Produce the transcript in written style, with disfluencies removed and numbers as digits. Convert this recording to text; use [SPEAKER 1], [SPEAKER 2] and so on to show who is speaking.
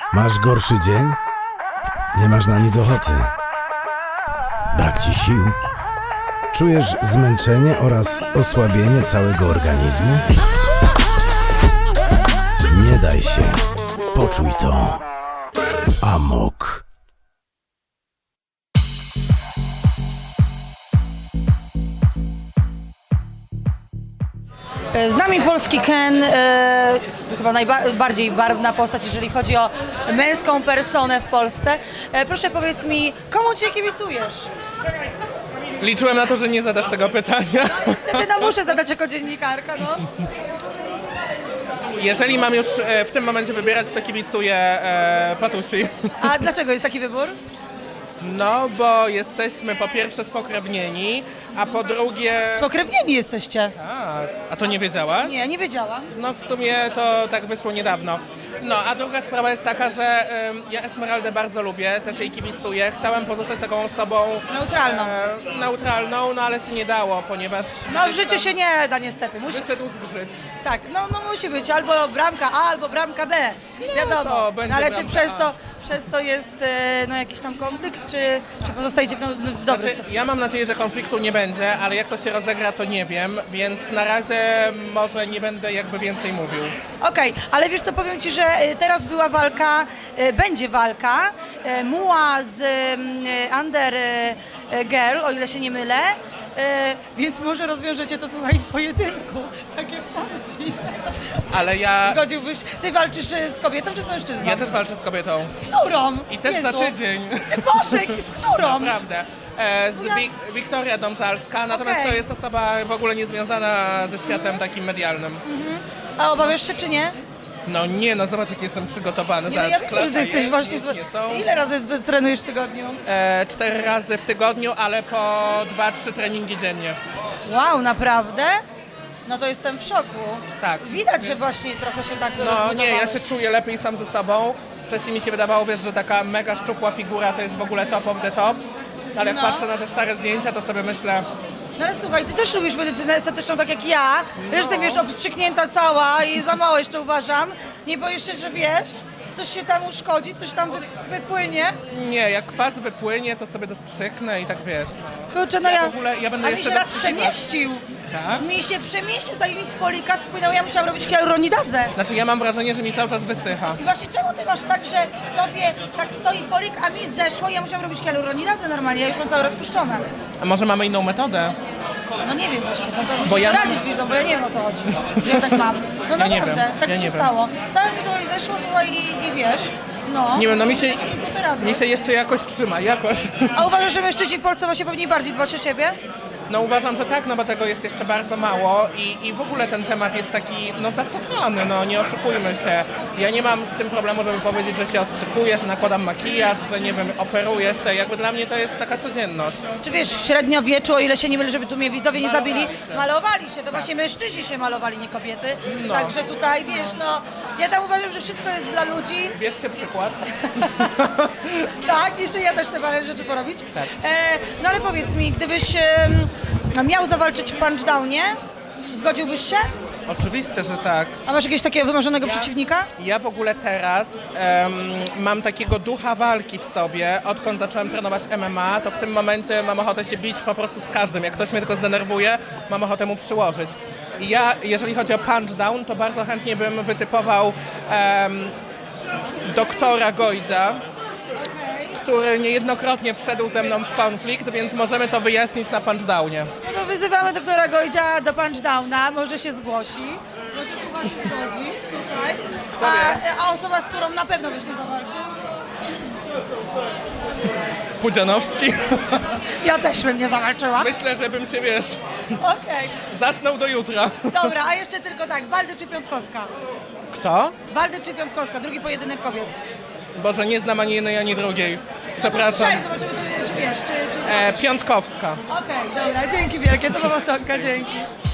[SPEAKER 1] Masz gorszy dzień? Nie masz na nic ochoty. Brak ci sił? Czujesz zmęczenie oraz osłabienie całego organizmu? Nie daj się. Poczuj to. Amok.
[SPEAKER 2] Z nami polski Ken, chyba najbardziej barwna postać, jeżeli chodzi o męską personę w Polsce. Proszę powiedz mi, komu Cię kibicujesz?
[SPEAKER 3] Liczyłem na to, że nie zadasz tego pytania.
[SPEAKER 2] Niestety no muszę zadać jako dziennikarka, no.
[SPEAKER 3] Jeżeli mam już w tym momencie wybierać, to kibicuję Patusi.
[SPEAKER 2] A dlaczego jest taki wybór?
[SPEAKER 3] No, bo jesteśmy po pierwsze spokrewnieni, a po drugie...
[SPEAKER 2] Spokrewnieni jesteście.
[SPEAKER 3] Tak. A to nie wiedziałaś?
[SPEAKER 2] Nie, nie wiedziałam.
[SPEAKER 3] No w sumie to tak wyszło niedawno. No, a druga sprawa jest taka, że ja Esmeraldę bardzo lubię, też jej kibicuję. Chciałem pozostać taką osobą...
[SPEAKER 2] Neutralną.
[SPEAKER 3] Neutralną, no ale się nie dało, ponieważ...
[SPEAKER 2] No w
[SPEAKER 3] gdzieś
[SPEAKER 2] życiu
[SPEAKER 3] tam
[SPEAKER 2] się nie da niestety.
[SPEAKER 3] Wyszedł zgrzyt.
[SPEAKER 2] Tak, no musi być albo bramka A, albo bramka B. Wiadomo.
[SPEAKER 3] to będzie
[SPEAKER 2] No, ale czy
[SPEAKER 3] bramka
[SPEAKER 2] przez to jest no, jakiś tam konflikt, czy pozostajecie w dobrym
[SPEAKER 3] Znaczy,
[SPEAKER 2] stosunku?
[SPEAKER 3] ja mam nadzieję, że konfliktu nie będzie, ale jak to się rozegra, to nie wiem, więc na razie może nie będę jakby więcej mówił.
[SPEAKER 2] Okej, ale wiesz co, powiem Ci, że teraz była walka, będzie walka Muła z Under Girl, o ile się nie mylę, więc może rozwiążecie to, słuchaj, w pojedynku, tak jak tamci.
[SPEAKER 3] Ale ja...
[SPEAKER 2] Zgodziłbyś, Ty walczysz z kobietą czy z mężczyzną?
[SPEAKER 3] Ja też walczę z kobietą.
[SPEAKER 2] Z którą?
[SPEAKER 3] I też za
[SPEAKER 2] Jezu.
[SPEAKER 3] tydzień.
[SPEAKER 2] Boże, z którą?
[SPEAKER 3] Naprawdę. Wiktoria Domżalska, natomiast
[SPEAKER 2] Okej.
[SPEAKER 3] to jest osoba w ogóle niezwiązana ze światem takim medialnym.
[SPEAKER 2] A obawiasz się czy nie?
[SPEAKER 3] No nie, no zobacz jak jestem przygotowany.
[SPEAKER 2] Nie, no ja wiem, że Ty jesteś właśnie...
[SPEAKER 3] Nie są.
[SPEAKER 2] Ile razy trenujesz w tygodniu?
[SPEAKER 3] 4 razy w tygodniu, ale po 2-3 treningi dziennie.
[SPEAKER 2] Wow, naprawdę? No to jestem w szoku.
[SPEAKER 3] Tak.
[SPEAKER 2] Widać, że właśnie trochę się tak
[SPEAKER 3] No nie, ja
[SPEAKER 2] rozbudowałeś.
[SPEAKER 3] się czuję lepiej sam ze sobą. Wcześniej mi się wydawało, wiesz, że taka mega szczupła figura to jest w ogóle top of the top. Ale jak
[SPEAKER 2] No.
[SPEAKER 3] patrzę na te stare zdjęcia, to sobie myślę,
[SPEAKER 2] No ale słuchaj, Ty też lubisz medycynę estetyczną tak jak ja. Zresztą wiesz, obstrzyknięta cała i za mało jeszcze uważam. Nie boisz się, że wiesz, coś się tam uszkodzi, coś tam wypłynie?
[SPEAKER 3] nie, jak kwas wypłynie, to sobie dostrzyknę i tak wiesz.
[SPEAKER 2] Kurczę, no
[SPEAKER 3] Ja
[SPEAKER 2] ja...
[SPEAKER 3] w ogóle- ja będę
[SPEAKER 2] A mi
[SPEAKER 3] jeszcze
[SPEAKER 2] się raz
[SPEAKER 3] dostrzykiwać.
[SPEAKER 2] przemieścił.
[SPEAKER 3] Tak?
[SPEAKER 2] Mi się przemieścił, zanim mi z polika spłynął, ja musiałam robić hialuronidazę.
[SPEAKER 3] Znaczy ja mam wrażenie, że mi cały czas wysycha.
[SPEAKER 2] I właśnie czemu Ty masz tak, że Tobie tak stoi polik, a mi zeszło i ja musiałam robić hialuronidazę normalnie, ja już mam całe rozpuszczone.
[SPEAKER 3] A może mamy inną metodę?
[SPEAKER 2] No nie wiem właśnie, to
[SPEAKER 3] Bo
[SPEAKER 2] muszę
[SPEAKER 3] ja-
[SPEAKER 2] poradzić widzą, bo ja nie wiem o co chodzi, że ja tak mam. No
[SPEAKER 3] Ja nie
[SPEAKER 2] naprawdę,
[SPEAKER 3] wiem,
[SPEAKER 2] tak
[SPEAKER 3] ja
[SPEAKER 2] mi się
[SPEAKER 3] nie wiem.
[SPEAKER 2] stało. Całe mi tutaj zeszło, słuchaj, i wiesz, no.
[SPEAKER 3] Nie wiem, no mi się,
[SPEAKER 2] Jakie są te rady?
[SPEAKER 3] mi się jeszcze jakoś trzyma, jakoś.
[SPEAKER 2] A uważasz, że mężczyźni w Polsce właśnie powinni bardziej dbać o siebie?
[SPEAKER 3] No uważam, że tak, no bo tego jest jeszcze bardzo mało i w ogóle ten temat jest taki, no zacofany, no nie oszukujmy się. Ja nie mam z tym problemu, żeby powiedzieć, że się ostrzykuję, że nakładam makijaż, że nie wiem, operuję się, jakby dla mnie to jest taka codzienność.
[SPEAKER 2] Czy wiesz, w średniowieczu, o ile się nie mylę, żeby tu mnie widzowie nie
[SPEAKER 3] Malowali
[SPEAKER 2] zabili,
[SPEAKER 3] się.
[SPEAKER 2] malowali się, to właśnie mężczyźni się malowali, nie kobiety.
[SPEAKER 3] No.
[SPEAKER 2] Także tutaj, wiesz, no, ja tam uważam, że wszystko jest dla ludzi.
[SPEAKER 3] Bierzcie przykład.
[SPEAKER 2] Tak, jeszcze ja też chcę parę rzeczy porobić.
[SPEAKER 3] Tak.
[SPEAKER 2] No ale powiedz mi, gdybyś miał zawalczyć w punchdownie, zgodziłbyś się?
[SPEAKER 3] Oczywiście, że tak.
[SPEAKER 2] A masz jakiegoś takiego wymarzonego przeciwnika?
[SPEAKER 3] Ja w ogóle teraz mam takiego ducha walki w sobie. Odkąd zacząłem trenować MMA, to w tym momencie mam ochotę się bić po prostu z każdym. Jak ktoś mnie tylko zdenerwuje, mam ochotę mu przyłożyć. I ja, jeżeli chodzi o punchdown, to bardzo chętnie bym wytypował doktora Gojdza, który niejednokrotnie wszedł ze mną w konflikt, więc możemy to wyjaśnić na punchdownie.
[SPEAKER 2] No to wyzywamy doktora Godzia do punchdowna, może się zgłosi. Może Kuba się zgodzi, słuchaj. A osoba, z którą na pewno byś nie zawalczył?
[SPEAKER 3] Pudzianowski.
[SPEAKER 2] Ja też bym nie zawalczyła.
[SPEAKER 3] Myślę, że bym się, wiesz,
[SPEAKER 2] Okej,
[SPEAKER 3] zasnął do jutra.
[SPEAKER 2] dobra, a jeszcze tylko tak, Waldy czy Piątkowska?
[SPEAKER 3] Kto?
[SPEAKER 2] Waldy czy Piątkowska, drugi pojedynek kobiet.
[SPEAKER 3] Boże, nie znam ani jednej, ani drugiej. Przepraszam.
[SPEAKER 2] Strzelaj, zobaczymy, czy wiesz, czy...
[SPEAKER 3] Piątkowska.
[SPEAKER 2] Okej, dobra, dzięki wielkie, to była Sonka, dzięki.